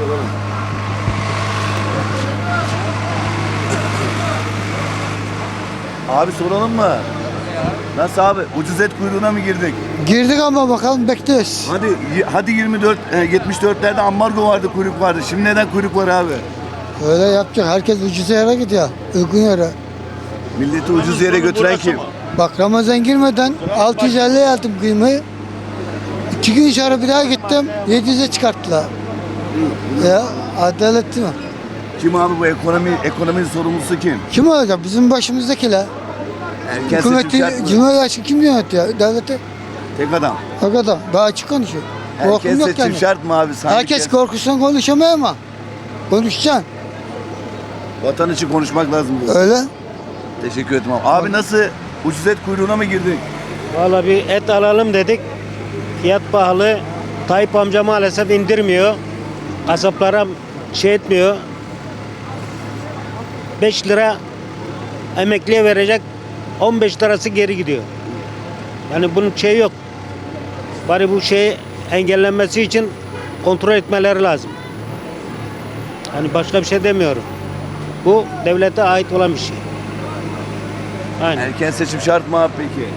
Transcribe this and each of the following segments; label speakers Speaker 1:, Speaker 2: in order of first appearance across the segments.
Speaker 1: soralım. Abi soralım mı? Nasıl abi? Ucuz et kuyruğuna mı girdik?
Speaker 2: Girdik ama bakalım bekliyoruz.
Speaker 1: Hadi 74'lerde ambargo vardı, kuyruk vardı. Şimdi neden kuyruk var abi?
Speaker 2: Öyle yapacak. Herkes ucuz yere gidiyor. Uygun yere.
Speaker 1: Milleti ucuz yere götüren kim?
Speaker 2: Bak Ramazan girmeden 650 aldım kıymayı. 2 gün sonra bir daha gittim. 700'e çıkarttılar. Ya adaletli mi?
Speaker 1: Kim abi bu ekonominin sorumlusu kim?
Speaker 2: Kim olacak? Bizim başımızdakiler.
Speaker 1: Erken seçim
Speaker 2: Hükümeti,
Speaker 1: şart mı?
Speaker 2: Cumhurbaşkanı kim yönetiyor? Devleti.
Speaker 1: Tek adam.
Speaker 2: O kadar. Daha açık konuşuyor. Korkum
Speaker 1: Erken
Speaker 2: yok
Speaker 1: seçim
Speaker 2: yani.
Speaker 1: şart mı abi? Sanki
Speaker 2: Herkes korkusundan konuşamıyor ama. Konuşacaksın.
Speaker 1: Vatan için konuşmak lazım diyor.
Speaker 2: Öyle.
Speaker 1: Teşekkür ederim abi. Abi nasıl? Ucuz et kuyruğuna mı girdik?
Speaker 3: Valla bir et alalım dedik. Fiyat pahalı. Tayyip amca maalesef indirmiyor. Kasaplara şey etmiyor. 5 lira emekliye verecek. 15 lirası geri gidiyor. Yani bunun şeyi yok. Bari bu şeyi engellenmesi için kontrol etmeleri lazım. Hani başka bir şey demiyorum. Bu devlete ait olan bir şey. Aynen.
Speaker 1: Erken seçim şart mı abi peki?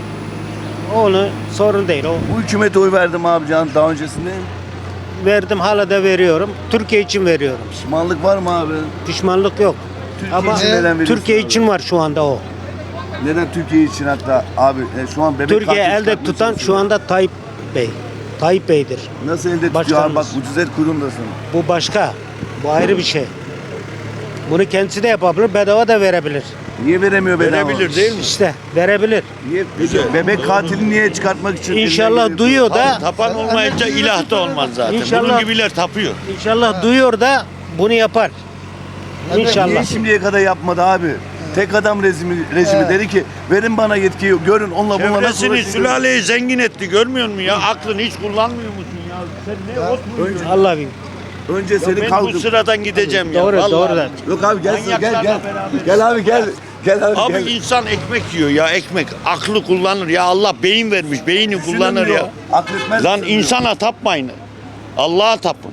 Speaker 3: Onu sorun değil. O
Speaker 1: Bu hükümete oy verdim abi can daha öncesinde.
Speaker 3: verdim, hala da veriyorum. Türkiye için veriyorum.
Speaker 1: Pişmanlık var mı abi?
Speaker 3: Pişmanlık yok.
Speaker 1: Türkiye
Speaker 3: Ama
Speaker 1: için neden veriyorsun
Speaker 3: Türkiye
Speaker 1: abi?
Speaker 3: için var şu anda o.
Speaker 1: Neden Türkiye için hatta abi şu an bebek
Speaker 3: Türkiye
Speaker 1: katil
Speaker 3: elde
Speaker 1: çıkartmaya
Speaker 3: tutan şu
Speaker 1: çalışıyor.
Speaker 3: anda Tayyip Bey. Tayyip Bey'dir.
Speaker 1: Nasıl elde tutuyor abi?
Speaker 3: Başkanımız.
Speaker 1: Bak ucuz et kuyruğundasın.
Speaker 3: Bu başka. Bu ayrı bir şey. Bunu kendisi de yapabilir, bedava da verebilir.
Speaker 1: Niye veremiyor bedava?
Speaker 4: Verebilir değil mi?
Speaker 3: İşte verebilir.
Speaker 1: Niye? Bebek katilini niye çıkartmak için?
Speaker 3: İnşallah
Speaker 1: elinden
Speaker 3: duyuyor da,
Speaker 4: Tapan olmayınca ilah da olmaz zaten.
Speaker 3: İnşallah-
Speaker 4: Bunun gibiler tapıyor.
Speaker 3: inşallah duyuyor da bunu yapar.
Speaker 1: Niye
Speaker 3: İnşallah.
Speaker 1: şimdiye kadar yapmadı abi? Tek adam rejimi dedi ki verin bana yetkiyi görün onunla bununla nasıl
Speaker 4: Çevresini,
Speaker 1: uğraşıyor?
Speaker 4: sülaleyi zengin etti. Görmüyor musun ya? Aklını hiç kullanmıyor musun ya? Sen ne ot mu?
Speaker 3: Allah bilir.
Speaker 1: Önce seni
Speaker 4: Ben bu
Speaker 1: kaldım.
Speaker 4: sıradan gideceğim ya.
Speaker 3: Doğru,
Speaker 4: vallahi.
Speaker 3: doğru da.
Speaker 1: Yok abi gel
Speaker 4: Manyaklarla
Speaker 1: gel.
Speaker 4: beraber.
Speaker 1: Gel abi gel. Gel abi,
Speaker 4: Abi
Speaker 1: gel.
Speaker 4: insan ekmek yiyor ya ekmek. Aklı kullanır ya. Allah beyin vermiş. Beyni kullanır
Speaker 1: Düşünün
Speaker 4: ya.
Speaker 1: Akletmez.
Speaker 4: Lan insana tapmayın. Allah'a tapın.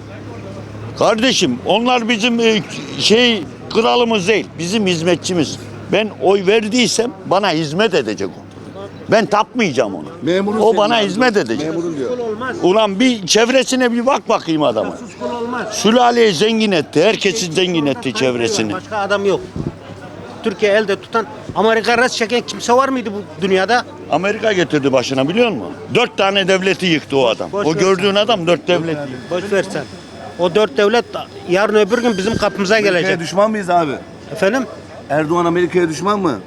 Speaker 4: Kardeşim onlar bizim kralımız değil. Bizim hizmetçimiz. Ben oy verdiysem bana hizmet edecek o. Ben tapmayacağım ona.
Speaker 1: Memurun
Speaker 4: O
Speaker 1: senin
Speaker 4: bana
Speaker 1: abi.
Speaker 4: hizmet edecek.
Speaker 1: Memurun diyor.
Speaker 3: Olmaz.
Speaker 4: Ulan bir çevresine bir bak bakayım adama.
Speaker 3: Suskun olmaz.
Speaker 4: Sülaleyi zengin etti. Herkesi zengin etti çevresini.
Speaker 3: Başka adam yok. Türkiye elde tutan, Amerika res çeken kimse var mıydı bu dünyada?
Speaker 4: Amerika getirdi başına biliyor musun? 4 tane devleti yıktı o adam.
Speaker 3: Boş
Speaker 4: O
Speaker 3: ver
Speaker 4: gördüğün adam 4 devleti yıktı.
Speaker 3: Boş ver sen. O 4 devlet yarın öbür gün bizim kapımıza
Speaker 1: Amerika'ya
Speaker 3: gelecek.
Speaker 1: düşman mıyız abi?
Speaker 3: Efendim?
Speaker 1: Erdoğan Amerika'ya düşman mı?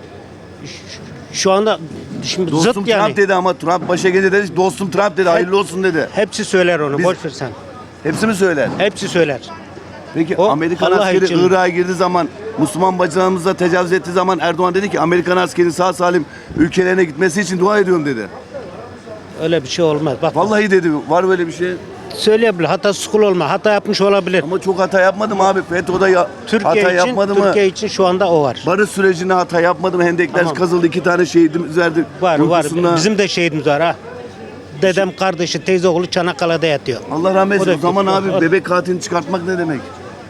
Speaker 3: Şu anda şimdi
Speaker 1: Dostum
Speaker 3: zıt yani.
Speaker 1: Trump dedi ama Trump başa gelince dedi dostum Trump dedi hayırlı olsun dedi.
Speaker 3: Hepsi söyler onu.
Speaker 1: Biz-
Speaker 3: Boş ver sen.
Speaker 1: Hepsi mi söyler?
Speaker 3: Hepsi söyler.
Speaker 1: Peki
Speaker 3: O
Speaker 1: Amerikan
Speaker 3: Allah
Speaker 1: askeri
Speaker 3: için.
Speaker 1: Irak'a girdiği zaman Müslüman bacılarımıza tecavüz ettiği zaman Erdoğan dedi ki Amerikan askerinin sağ salim ülkelerine gitmesi için dua ediyorum dedi.
Speaker 3: Öyle bir şey olmaz. Bak
Speaker 1: Vallahi dedi var böyle bir şey.
Speaker 3: söyleyebilir. Hata skul olma. Hata yapmış olabilir.
Speaker 1: Ama çok hata yapmadım abi. FETÖ'de
Speaker 3: Türkiye
Speaker 1: hata
Speaker 3: için
Speaker 1: yapmadı mı?
Speaker 3: Türkiye için şu anda o var.
Speaker 1: Barış sürecinde hata yapmadım. Hendekler
Speaker 3: Tamam.
Speaker 1: kazıldı. 2 tane şehidimiz verdik.
Speaker 3: Var var.
Speaker 1: Uykusunda.
Speaker 3: Bizim de şehidimiz var ha. Dedem kardeşi teyze oğlu Çanakkale'de yatıyor.
Speaker 1: Allah rahmet
Speaker 3: O da-
Speaker 1: eylesin. O zaman abi
Speaker 3: o-
Speaker 1: bebek katilini çıkartmak ne demek?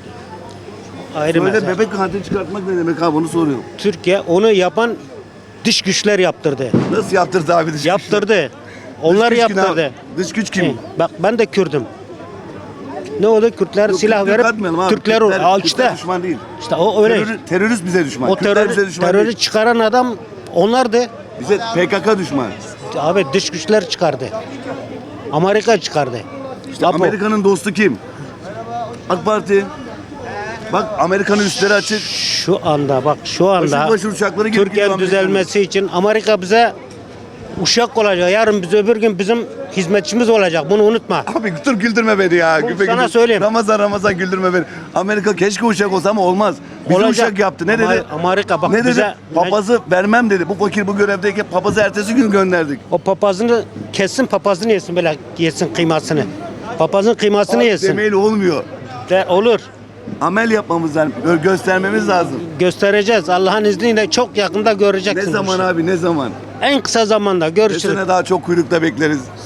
Speaker 3: Ayrı
Speaker 1: Söyle
Speaker 3: mesele.
Speaker 1: bebek katilini çıkartmak ne demek abi onu soruyorum.
Speaker 3: Türkiye onu yapan dış güçler yaptırdı.
Speaker 1: Nasıl yaptırdı abi dış güçler?
Speaker 3: Yaptırdı. Onlar
Speaker 1: Dış güç kim
Speaker 3: yaptırdı.
Speaker 1: abi? Dış güç kim?
Speaker 3: Bak ben de Kürdüm. Ne oldu? Kürtler
Speaker 1: Yok,
Speaker 3: silah
Speaker 1: Kürtleri
Speaker 3: verip
Speaker 1: katmayalım abi.
Speaker 3: Türkler
Speaker 1: Kürtler-
Speaker 3: al
Speaker 1: Kürtler
Speaker 3: işte.
Speaker 1: düşman değil.
Speaker 3: İşte o öyle.
Speaker 1: Terörist bize düşman.
Speaker 3: O
Speaker 1: Kürtler bize düşman
Speaker 3: terörü
Speaker 1: değil.
Speaker 3: çıkaran adam onlardı.
Speaker 1: Bize PKK düşman.
Speaker 3: Abi dış güçler çıkardı. Amerika çıkardı.
Speaker 1: İşte
Speaker 3: Apo.
Speaker 1: Amerika'nın dostu kim? AK Parti. Bak Amerika'nın üstleri açık.
Speaker 3: Şu anda bak şu anda
Speaker 1: Başır başır uçakları gelip gidiyor
Speaker 3: Türkiye'nin
Speaker 1: Amerika'nın.
Speaker 3: düzelmesi için Amerika bize uşak olacak. Yarın biz öbür gün bizim hizmetçimiz olacak. Bunu unutma.
Speaker 1: Abi dur güldürme beni ya.
Speaker 3: Bu
Speaker 1: Güpe
Speaker 3: sana
Speaker 1: güldür.
Speaker 3: söyleyeyim.
Speaker 1: Ramazan güldürme beni. Amerika keşke uçak olsa ama olmaz. Bizi
Speaker 3: Olacak.
Speaker 1: uçak yaptı. Ne dedi?
Speaker 3: Amerika bak
Speaker 1: ne dedi?
Speaker 3: bize
Speaker 1: Papazı vermem dedi. Bu fakir bu görevdeyken papazı ertesi gün gönderdik.
Speaker 3: o papazını kessin, papazını yesin, böyle yesin kıymasını. Papazın kıymasını
Speaker 1: Abi
Speaker 3: yesin.
Speaker 1: demeyle olmuyor.
Speaker 3: De, olur.
Speaker 1: Amel yapmamız lazım. Göstermemiz lazım.
Speaker 3: Göstereceğiz. Allah'ın izniyle çok yakında
Speaker 1: Ne
Speaker 3: göreceksin. bu
Speaker 1: zaman
Speaker 3: işi.
Speaker 1: abi ne zaman?
Speaker 3: En kısa zamanda görüşürüz.
Speaker 1: Desene daha çok kuyrukta bekleriz.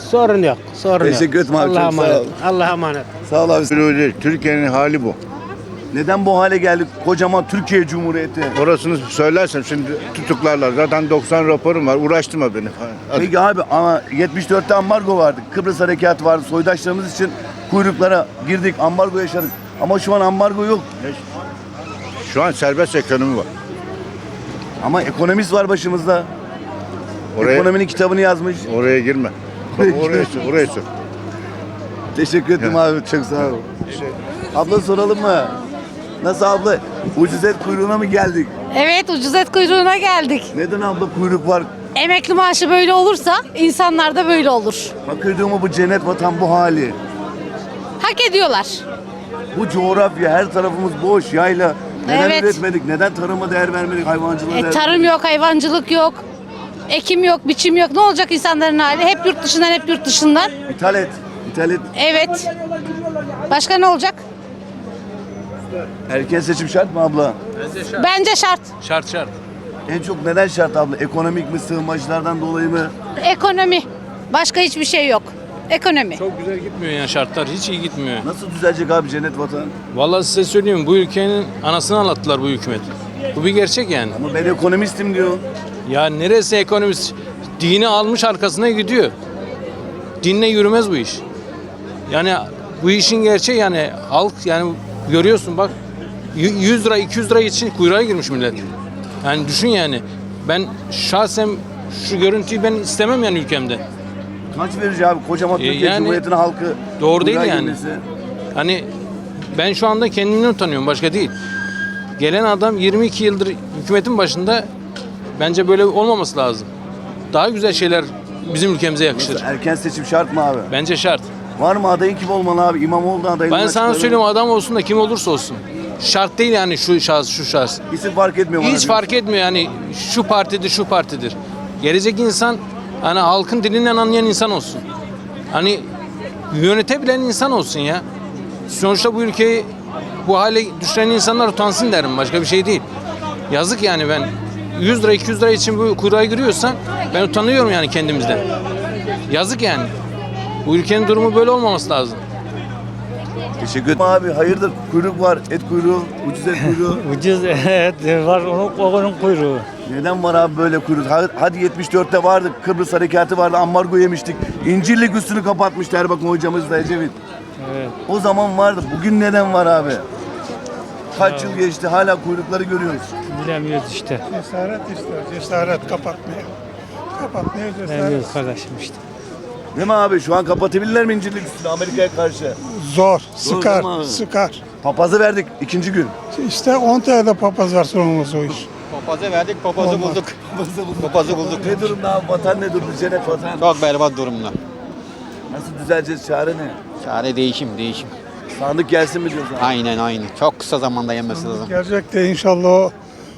Speaker 3: Sorun yok. Sorun yok.
Speaker 1: Teşekkür ederim abi,
Speaker 3: Allah'a
Speaker 1: çok sağ
Speaker 3: emanet.
Speaker 1: ol.
Speaker 3: Allah'a emanet.
Speaker 1: Sağ ol abi.
Speaker 5: Türkiye'nin hali bu.
Speaker 1: Neden bu hale geldik? Kocaman Türkiye Cumhuriyeti.
Speaker 5: Orasını söylersem şimdi tutuklarlar. Zaten 90 raporum var. Uğraştırma beni. Hadi.
Speaker 1: Peki abi ama 74'te ambargo vardı. Kıbrıs harekatı vardı. Soydaşlarımız için kuyruklara girdik. Ambargo yaşadık. Ama şu an ambargo yok.
Speaker 5: Şu an serbest ekonomi var.
Speaker 1: Ama ekonomist var başımızda.
Speaker 5: Oraya,
Speaker 1: Ekonominin kitabını yazmış.
Speaker 5: oraya girme. Bak, oraya sor.
Speaker 1: Teşekkür ederim abi. Çok sağ ol. Abla soralım mı? Nasıl abla? Ucuz et kuyruğuna mı geldik?
Speaker 6: Evet, ucuz et kuyruğuna geldik.
Speaker 1: Neden abla kuyruk var?
Speaker 6: Emekli maaşı böyle olursa insanlar da böyle olur.
Speaker 1: Bakırdığımı bu cennet vatan bu hali.
Speaker 6: Hak ediyorlar.
Speaker 1: Bu coğrafya her tarafımız boş yayla. Neden
Speaker 6: Evet.
Speaker 1: üretmedik? Neden tarıma değer vermedik? Hayvancılığa değer
Speaker 6: Tarım yok, hayvancılık yok. Ekim yok, biçim yok. Ne olacak insanların hali? Hep yurt dışından, hep yurt dışından.
Speaker 1: İthal et. İthal et.
Speaker 6: Evet. Başka ne olacak?
Speaker 1: Erken seçim şart mı abla?
Speaker 6: Bence şart.
Speaker 7: Şart.
Speaker 1: En çok neden şart abla? Ekonomik mi, sığınmacılardan dolayı mı?
Speaker 6: Ekonomi. Başka hiçbir şey yok. Ekonomi.
Speaker 7: Çok güzel gitmiyor yani şartlar. Hiç iyi gitmiyor.
Speaker 1: Nasıl düzelecek abi cennet vatan?
Speaker 7: Vallahi size söyleyeyim bu ülkenin anasını anlattılar bu hükümet. Bu bir gerçek yani.
Speaker 1: Ama ben ekonomistim diyor.
Speaker 7: Ya neresi ekonomist? Dini almış arkasına gidiyor. Dinle yürümez bu iş. Yani bu işin gerçeği yani halk yani görüyorsun bak 100 lira 200 lira için kuyruğa girmiş millet. Yani düşün yani. Ben şahsen şu görüntüyü ben istemem yani ülkemde.
Speaker 1: Kaç verici abi kocaman Türkiye
Speaker 7: yani
Speaker 1: Cumhuriyeti'nin halkı
Speaker 7: doğru değil
Speaker 1: kuyruğa
Speaker 7: yani.
Speaker 1: girmesi?
Speaker 7: Hani ben şu anda kendimden utanıyorum başka değil. Gelen adam 22 yıldır hükümetin başında bence böyle olmaması lazım. Daha güzel şeyler bizim ülkemize yakışır.
Speaker 1: Erken seçim şart mı abi?
Speaker 7: Bence şart.
Speaker 1: Var mı adayın kim olmalı abi? İmamoğlu adayını
Speaker 7: Ben sana söyleyeyim adam olsun da kim olursa olsun. Şart değil yani şu şahıs şu şahıs.
Speaker 1: İsim fark etmiyor bana.
Speaker 7: Hiç fark etmiyor yani şu partidir şu partidir. Gelecek insan hani halkın dilinden anlayan insan olsun. Hani yönetebilen insan olsun ya. Sonuçta bu ülkeyi bu hale düşüren insanlar utansın derim. Başka bir şey değil. Yazık yani ben 100 lira 200 lira için bu kuyruğa giriyorsam ben utanıyorum yani kendimizden. Yazık yani. Bu ülkenin durumu böyle olmaması lazım.
Speaker 1: Teşekkür ederim abi. Hayırdır? Kuyruk var. Et kuyruğu. Ucuz et kuyruğu.
Speaker 8: Ucuz evet var onun kuyruğu.
Speaker 1: Neden var abi böyle kuyruk? Hadi 74'te vardı. Kıbrıs harekatı vardı. Ambargo yemiştik. İncirlik üstünü kapatmıştı Erbakan hocamız da Ecevit.
Speaker 8: Evet.
Speaker 1: O zaman vardı. Bugün neden var abi? Kaç yıl geçti hala kuyrukları görüyoruz.
Speaker 8: Bilemiyoruz işte.
Speaker 9: Cesaret ister, cesaret kapatmaya. Kapatmaya cesaret.
Speaker 8: Bilemiyoruz kardeşim işte.
Speaker 1: Değil mi abi? Şu an kapatabilirler mi incirlik üstünü Amerika'ya karşı?
Speaker 9: Zor,
Speaker 1: değil mi
Speaker 9: sıkar,
Speaker 1: abi?
Speaker 9: sıkar.
Speaker 1: Papazı verdik ikinci gün.
Speaker 9: İşte 10 TL'de papaz var sonumuz o iş.
Speaker 10: Papazı verdik, papazı bulduk. Papazı bulduk.
Speaker 1: Ne durumda abi? Vatan ne durumda? Cennet vatan.
Speaker 10: Çok berbat durumda.
Speaker 1: Nasıl düzeleceğiz? Çare ne?
Speaker 10: Çare değişim.
Speaker 1: Sandık gelsin mi diyoruz abi?
Speaker 10: Aynen. Çok kısa zamanda yenmesi lazım.
Speaker 9: Gelecek de inşallah o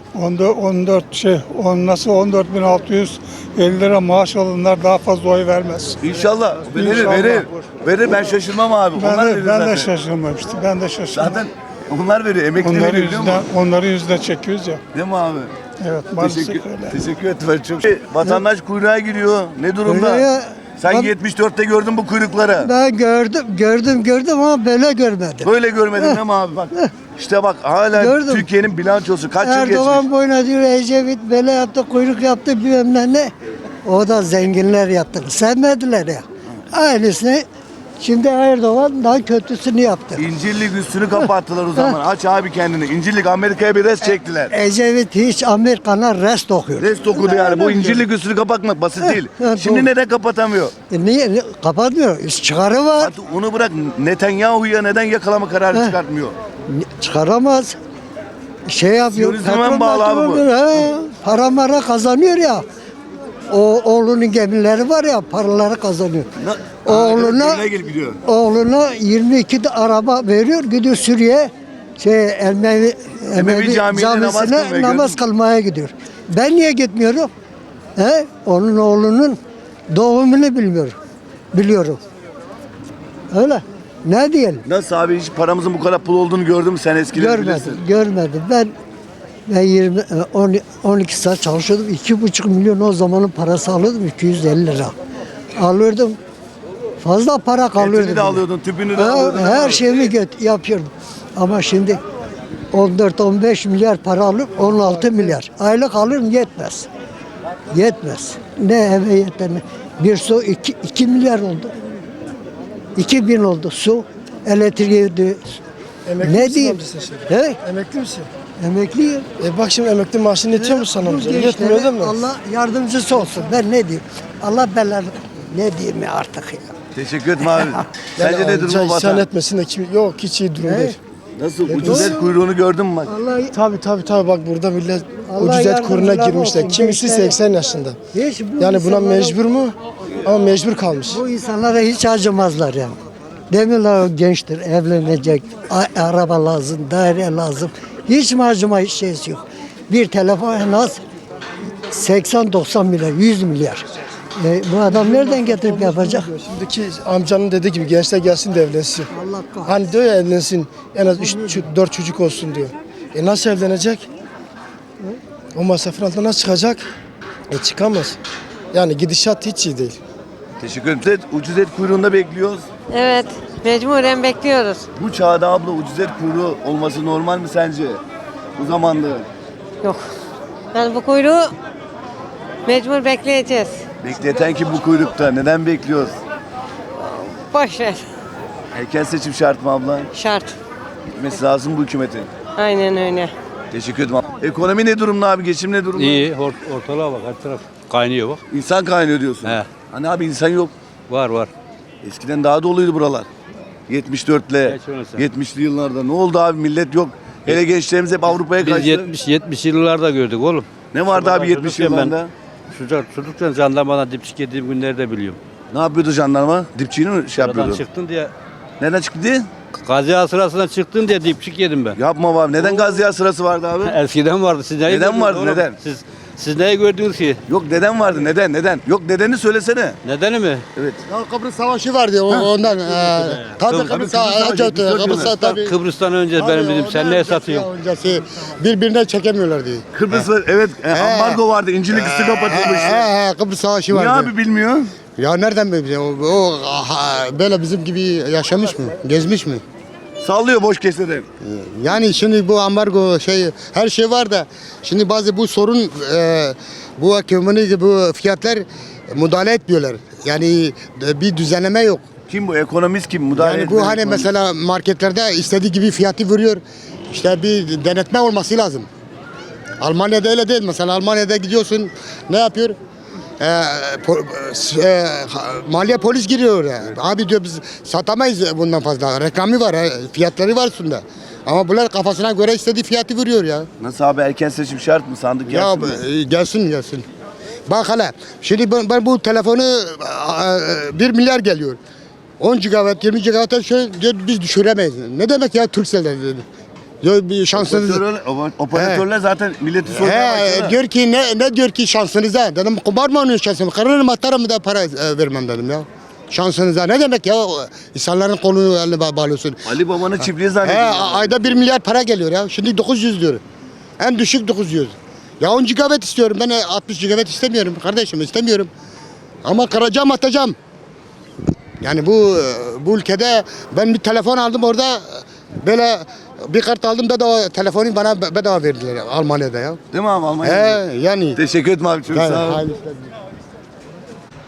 Speaker 9: 14.650 lira maaş alanlar daha fazla oy vermez.
Speaker 1: İnşallah. Verir,
Speaker 9: İnşallah.
Speaker 1: verir. Verir ben şaşırmam abi. Onlar verir
Speaker 9: Ben
Speaker 1: zaten.
Speaker 9: de şaşırmam işte. Ben de şaşırmam.
Speaker 1: Zaten onlar veriyor. Emekli
Speaker 9: Onları
Speaker 1: veriyor biliyor musun?
Speaker 9: yüzde çekiyoruz ya.
Speaker 1: Değil mi abi?
Speaker 9: Evet maalesef
Speaker 1: Teşekkür,
Speaker 9: öyle.
Speaker 1: teşekkür ederim. Çok. Vatandaş kuyruğa giriyor. Ne durumda?
Speaker 2: Kuyruğa-
Speaker 1: Sen
Speaker 2: Abi-
Speaker 1: 74'te gördün bu kuyrukları.
Speaker 2: Ben gördüm ama böyle görmedim.
Speaker 1: Böyle görmedin değil mi abi? Bak. İşte bak hala
Speaker 2: Gördüm.
Speaker 1: Türkiye'nin bilançosu kaç yıl
Speaker 2: Erdoğan
Speaker 1: geçmiş?
Speaker 2: boyuna diyor Ecevit böyle yaptı, kuyruk yaptı bilmem ne. O da zenginler yaptı. Sevmediler ya. Aynısını şimdi Erdoğan daha kötüsünü yaptı.
Speaker 1: İncirlik üstünü kapattılar o zaman. Aç abi kendini. İncirlik Amerika'ya bir res çektiler.
Speaker 2: Ecevit hiç Amerikan'a rest okuyor.
Speaker 1: Rest okudu yani. Bu incirlik üstünü kapatmak basit değil.
Speaker 2: evet,
Speaker 1: Şimdi
Speaker 2: doğru.
Speaker 1: neden kapatamıyor?
Speaker 2: Niye? Kapatmıyor. Çıkarı var.
Speaker 1: Artık onu bırak. Netanyahu'ya neden yakalama kararı çıkartmıyor?
Speaker 2: Çıkaramaz. Şey yapıyor.
Speaker 1: Siyonizme mi bağlı abi bu?
Speaker 2: Para mara kazanıyor ya. O oğlunun gemileri var ya paraları kazanıyor. Oğluna
Speaker 1: gidiyor.
Speaker 2: oğluna 22 de araba veriyor gidiyor Suriye Emevi
Speaker 1: Camii'nde
Speaker 2: camisine
Speaker 1: namaz
Speaker 2: namaz
Speaker 1: kılmaya
Speaker 2: kılmaya gidiyor. Ben niye gitmiyorum? Onun oğlunun doğumunu biliyorum. Öyle. Ne diyelim?
Speaker 1: Nasıl abi hiç paramızın bu kadar pul olduğunu gördün mü sen eskileri bilirsin.
Speaker 2: Görmedim. Ben 12 saat çalışıyordum. 2,5 milyon o zamanın parası alıyordum. 250 lira. Alıyordum. Fazla para kalıyordu.
Speaker 1: Etini de alıyordun, tüpünü de
Speaker 2: Ha,
Speaker 1: alıyordun.
Speaker 2: her şeyimi yapıyordum. Ama şimdi 14-15 milyar para alıp 16 milyar. Aylık alırım yetmez. Yetmez. Ne eve yeter ne. Bir su 2 milyar oldu. 2000 oldu su. Elektriği ne diyeyim? He?
Speaker 11: Emekli misin?
Speaker 2: Emekliyim.
Speaker 11: Bak şimdi emekli maaşın yetiyor mu sana amca? Yetmiyor değil mi?
Speaker 2: Allah yardımcısı olsun. Ben ne diyeyim? Allah belanı. Ne diyeyim ya artık ya.
Speaker 1: Teşekkür ederim abi. Sence ne
Speaker 11: amca
Speaker 1: durumu
Speaker 11: isyan
Speaker 1: vatan?
Speaker 11: etmesin de yok hiç iyi durum
Speaker 2: He?
Speaker 11: değil.
Speaker 1: Nasıl? Ucuz et kuyruğunu gördün mü bak?
Speaker 2: Allah
Speaker 11: Tabii bak burada millet
Speaker 2: Allah
Speaker 11: ucuz et kuruna
Speaker 2: yardımcıları
Speaker 11: girmişler.
Speaker 2: olsun,
Speaker 11: Kimisi
Speaker 2: gençlere.
Speaker 11: 80 yaşında.
Speaker 2: hiç bu
Speaker 11: Yani buna
Speaker 2: insanlara-
Speaker 11: mecbur mu? Ama mecbur kalmış.
Speaker 2: Bu insanlara hiç acımazlar yani. Demiyorlar o gençtir, evlenecek, araba lazım, daire lazım. Hiç mi acıma şeysi yok. Bir telefon en az 80-90 milyar, 100 milyar. Bu adam nereden getirip yapacak?
Speaker 11: Şimdiki amcanın dediği gibi gençler gelsin de evlensin.
Speaker 2: Allah kahretsin.
Speaker 11: Hani diyor ya evlensin en az 3-4 çocuk olsun diyor. Nasıl evlenecek? O masrafın altına nasıl çıkacak? Çıkamaz. Yani gidişat hiç iyi değil.
Speaker 1: Teşekkür ederim. Ucuz et kuyruğunda bekliyoruz.
Speaker 12: Evet, mecburen bekliyoruz.
Speaker 1: Bu çağda abla ucuz et kuyruğu olması normal mi sence? Bu zamanda.
Speaker 12: Yok. Yani bu kuyruğu mecbur bekleyeceğiz.
Speaker 1: Bekleten kim bu kuyrukta? Neden bekliyoruz?
Speaker 12: Boş ver.
Speaker 1: Erken seçim şart mı abla?
Speaker 12: Şart.
Speaker 1: Gitmesi lazım bu hükümetin.
Speaker 12: Aynen öyle.
Speaker 1: Teşekkür ederim. Ekonomi ne durumda abi? Geçim ne durumda?
Speaker 8: İyi, ortalığa bak, her taraf kaynıyor bak.
Speaker 1: İnsan kaynıyor diyorsun.
Speaker 8: He.
Speaker 1: Hani abi insan yok.
Speaker 8: Var.
Speaker 1: Eskiden daha doluydu buralar. 74'le,
Speaker 8: Geç onu sen.
Speaker 1: 70'li yıllarda. Ne oldu abi? Millet yok. Hele gençlerimiz hep Avrupa'ya
Speaker 8: Biz
Speaker 1: kaçtı.
Speaker 8: 70 yıllarda gördük oğlum.
Speaker 1: Ne vardı abi 70
Speaker 8: Çocukken
Speaker 1: yıllarında?
Speaker 8: Çocukken jandarmadan dipçik yediğim günleri de biliyorum.
Speaker 1: Ne yapıyordu jandarma? Dipçiğini mi şey
Speaker 8: Oradan
Speaker 1: yapıyordu?
Speaker 8: çıktın diye,
Speaker 1: Neden çıktı?
Speaker 8: Gaziya sırasına çıktın diye dipçik yedim ben.
Speaker 1: Yapma abi. Neden Gaziya sırası vardı abi?
Speaker 8: Eskiden vardı. Siz neyi
Speaker 1: Neden
Speaker 8: gördünüz
Speaker 1: vardı,
Speaker 8: oğlum?
Speaker 1: neden?
Speaker 8: Siz neyi gördünüz ki?
Speaker 1: Yok neden vardı? Neden? Yok nedenini söylesene.
Speaker 8: Nedeni mi?
Speaker 1: Evet.
Speaker 5: Ya Kıbrıs Savaşı vardı ondan. Tabii
Speaker 1: Kıbrıs Savaşı,
Speaker 5: Kıbrıs'ta tabii.
Speaker 8: Kıbrıs'tan önce benim bildiğim sen neye satıyorsun?
Speaker 5: Öncesi birbirine çekemiyorlardı.
Speaker 1: Kıbrıs var. Evet. Ambargo vardı. İncilik üstü kapatılmıştı.
Speaker 5: Kıbrıs Savaşı
Speaker 1: Niye
Speaker 5: vardı.
Speaker 1: abi bilmiyor?
Speaker 5: Ya nereden biliyor? Böyle bizim gibi yaşamış mı? Gezmiş mi?
Speaker 1: Sallıyor boş keseden.
Speaker 5: Yani şimdi bu ambargo her şey var da şimdi bazı bu sorun bu ekonomi bu fiyatlar müdahale etmiyorlar. Yani bir düzenleme yok.
Speaker 1: Kim bu? Ekonomist kim? Müdahale
Speaker 5: Yani bu
Speaker 1: etmeyen
Speaker 5: hani
Speaker 1: ekonomist.
Speaker 5: mesela marketlerde istediği gibi fiyatı veriyor. İşte bir denetme olması lazım. Almanya'da öyle değil. Mesela Almanya'da gidiyorsun ne yapıyor? Maliye polis giriyor ya. Abi diyor biz satamayız bundan fazla. Reklamı var, fiyatları var üstünde. Ama bunlar kafasına göre istediği fiyatı veriyor ya.
Speaker 1: Nasıl abi erken seçim şart mı? Sandık
Speaker 5: Ya
Speaker 1: gelsin mi?
Speaker 5: gelsin. Bak hele şimdi ben bu telefonu 1 milyar geliyor. 10 GB, 20 GB şöyle diyor biz düşüremeyiz. Ne demek ya Turkcell'den dedi. Diyor bir şansınız.
Speaker 1: Operatörler zaten milleti sormaya başladı.
Speaker 5: Diyor ki ne diyor ki şansınıza? Dedim kumar mı oynuyorsun şansımı? Kırarım atarım da para vermem dedim ya. Şansınıza ne demek ya? İnsanların kolunu eline bağlıyorsun.
Speaker 1: Ali Baba'nın çiftliği zannediyor.
Speaker 5: Ayda 1 milyar para geliyor ya. Şimdi 900 diyor. En düşük 900. Ya 10 GB istiyorum. Ben 60 GB istemiyorum kardeşim istemiyorum. Ama kıracağım atacağım. Yani bu ülkede ben bir telefon aldım orada böyle bir kart aldım bedava telefonu bana bedava verdiler Almanya'da ya.
Speaker 1: Değil mi abi Almanya'da?
Speaker 5: Yani.
Speaker 1: Teşekkür ederim abi çok sağ ol.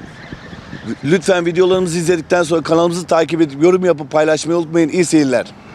Speaker 1: Lütfen videolarımızı izledikten sonra kanalımızı takip edip yorum yapıp paylaşmayı unutmayın. İyi seyirler.